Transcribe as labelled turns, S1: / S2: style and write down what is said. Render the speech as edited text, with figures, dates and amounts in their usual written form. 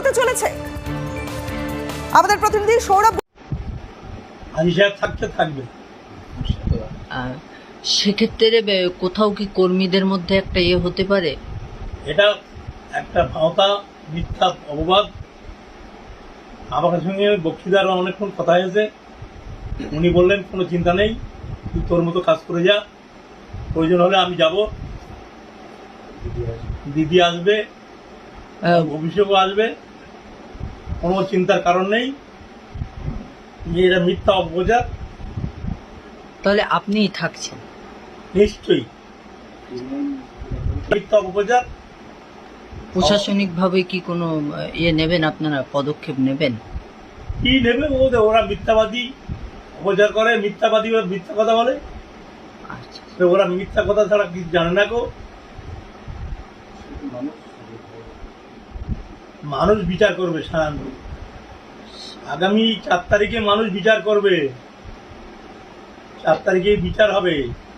S1: হতে চলেছে? আমাদের প্রতিনিধি সৌরভ
S2: থাকবে।
S3: সেক্ষেত্রে কোথাও কি কর্মীদের মধ্যে একটা হতে পারে?
S2: এটা একটা ভাওতা, মিথ্যা অপবাদ। আমার সঙ্গে বক্তৃতার অনেকক্ষণ কথা হয়েছে। উনি বললেন কোনো চিন্তা নেই, তুই তোর মতো কাজ করে যা, প্রয়োজন হলে আমি যাব, দিদি আসবে, অভিষেকও আসবে, কোনো চিন্তার কারণ নেই। এটা মিথ্যা অপপ্রচার।
S3: তাহলে আপনিই থাকছেন?
S2: নিশ্চয়ই মিথ্যা অপপ্রচার।
S3: প্রশাসনিক ভাবে কি কোনো নেবেন, আপনারা পদক্ষেপ নেবেন?
S2: কি নেবে? ওরা মিথ্যাবাদী, অপপ্রচার করে, মিথ্যাবাদী, মিথ্যা কথা বলে।
S3: আচ্ছা,
S2: ওরা মিথ্যা কথা ছাড়া কিছু জানে না। মানুষ বিচার করবে সারাংশ। আগামী 4 তারিখে মানুষ বিচার করবে। 4 তারিখে বিচার হবে।